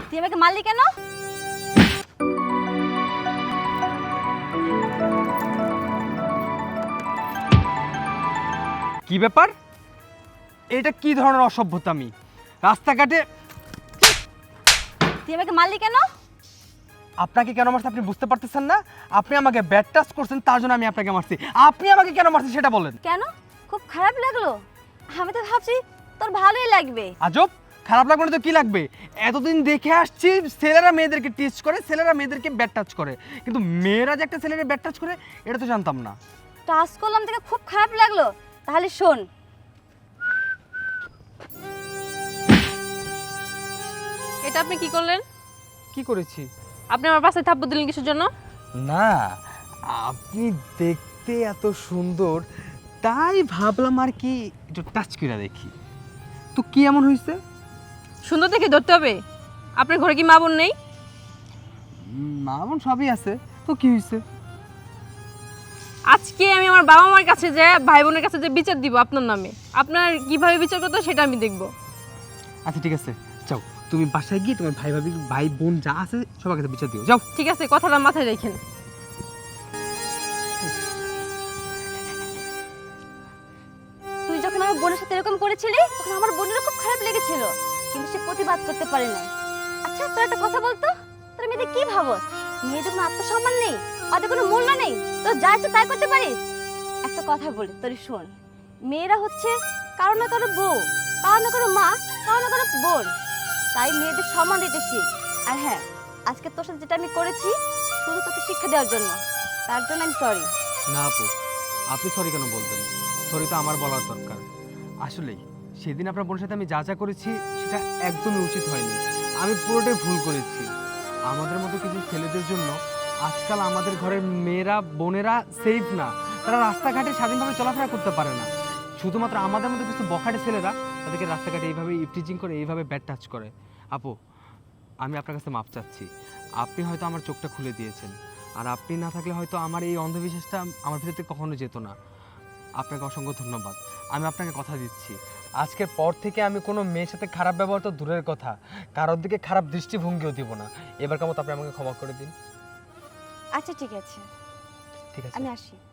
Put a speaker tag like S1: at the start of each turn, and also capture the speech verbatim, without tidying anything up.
S1: তুই আমাকে মারলি কেন?
S2: কি ব্যাপার? এটা কি ধরনের অসভ্যতামি? রাস্তাঘাটে
S1: তুই আমাকে মারলি কেন?
S2: আপনাকে কেন মারছি আপনি বুঝতে পারতেছেন না? আপনি আমাকে ব্যাড টাচ করছেন, তার জন্য আমি আপনাকে মারছি। আপনি আমাকে কেন মারছেন সেটা বলেন।
S1: কেন? খুব খারাপ লাগলো? আমি তো ভাবছি তোর ভালোই লাগবে।
S2: আজব, খারাপ লাগবে না তো কি লাগবে? এতদিন দেখে আসছি ছেলেরা মেয়েদেরকে টিচ করে, ছেলেরা মেয়েদেরকে ব্যাড টাচ করে, কিন্তু মেয়েরা যে একটা ছেলের ব্যাড টাচ করে এটা তো জানতাম না।
S1: টাচ করলাম থেকে খুব খারাপ লাগলো। তাহলে শোন,
S3: এটা আপনি কি করলেন?
S2: কি করেছি?
S3: আপনি আমার পাশে থাপ্পড় দিলেন কিসের জন্য?
S2: না, আপনি দেখতে এত সুন্দর তাই ভাবলাম আর কি একটু টাচ করে দেখি। তো কি এমন হয়েছে?
S3: সুন্দর দেখে ধরতে হবে? আপনার ঘরে কি মা বোন নেই?
S2: মা বোন সবই আছে, তো কি হয়েছে?
S3: আজকে আমি আমার বাবা মার কাছে যে ভাই বোনের কাছে যে বিচার দিব আপনার নামে, আপনার কিভাবে বিচার করতে হয় সেটা আমি দেখব।
S2: আচ্ছা ঠিক আছে, যাও তুমি বাসায় গিয়ে তোমার ভাই ভাবি ভাই বোন যা আছে সবার কাছে বিচার দিও, যাও।
S3: ঠিক আছে, কথাটা মাথায় রাখেন।
S1: তুই যখন আমার বোনের সাথে এরকম করেছিলি তখন আমার বোনেরও খুব খারাপ লেগেছিল, কিন্তু সে প্রতিবাদ করতে পারে নাই। আচ্ছা তোর একটা কথা বলতো, তোর মেয়েদের কি ভাবস? মেয়েদের কোনো আত্মসম্মান নেই, ওদের কোনো মূল্য নেই, তোর যা ইচ্ছে তাই করতে পারিস? একটা কথা বলি তোর, শোন, মেয়েরা হচ্ছে কারো না কারো বউ, কারো না কারো মা, কারো না কারো বোন। তাই মেয়েদের সম্মান দিতে শিখ। আর হ্যাঁ, আজকে তোর সাথে যেটা আমি করেছি শুধু তোকে শিক্ষা দেওয়ার জন্য, তার জন্য আমি সরি।
S2: না আপু, আপনি সরি কেন বলবেন? সরি তো আমার বলার দরকার। আসলেই সেদিন আপনার বোনের সাথে আমি যা যা করেছি সেটা একদমই উচিত হয়নি। আমি পুরোটাই ভুল করেছি। আমাদের মতো কিছু ছেলেদের জন্য আজকাল আমাদের ঘরের মেয়েরা বোনেরা সেফ না, তারা রাস্তাঘাটে স্বাধীনভাবে চলাফেরা করতে পারে না। শুধুমাত্র আমাদের মতো কিছু বখাটে ছেলেরা তাদেরকে রাস্তাঘাটে এইভাবে ইফটিজিং করে, এইভাবে ব্যাড টাচ করে। আপু, আমি আপনার কাছে মাপ চাচ্ছি। আপনি হয়তো আমার চোখটা খুলে দিয়েছেন, আর আপনি না থাকলে হয়তো আমার এই অন্ধবিশ্বাসটা আমার ভিতর থেকে কখনো যেত না। আপনাকে অসংখ্য ধন্যবাদ। আমি আপনাকে কথা দিচ্ছি, আজকের পর থেকে আমি কোনো মেয়ের সাথে খারাপ ব্যবহার তো দূরের কথা, কারোর দিকে খারাপ দৃষ্টিভঙ্গিও দিব না। এবারকার মতো আপনি আমাকে ক্ষমা করে দিন।
S1: আচ্ছা ঠিক আছে,
S2: ঠিক আছে,
S1: আমি আসি।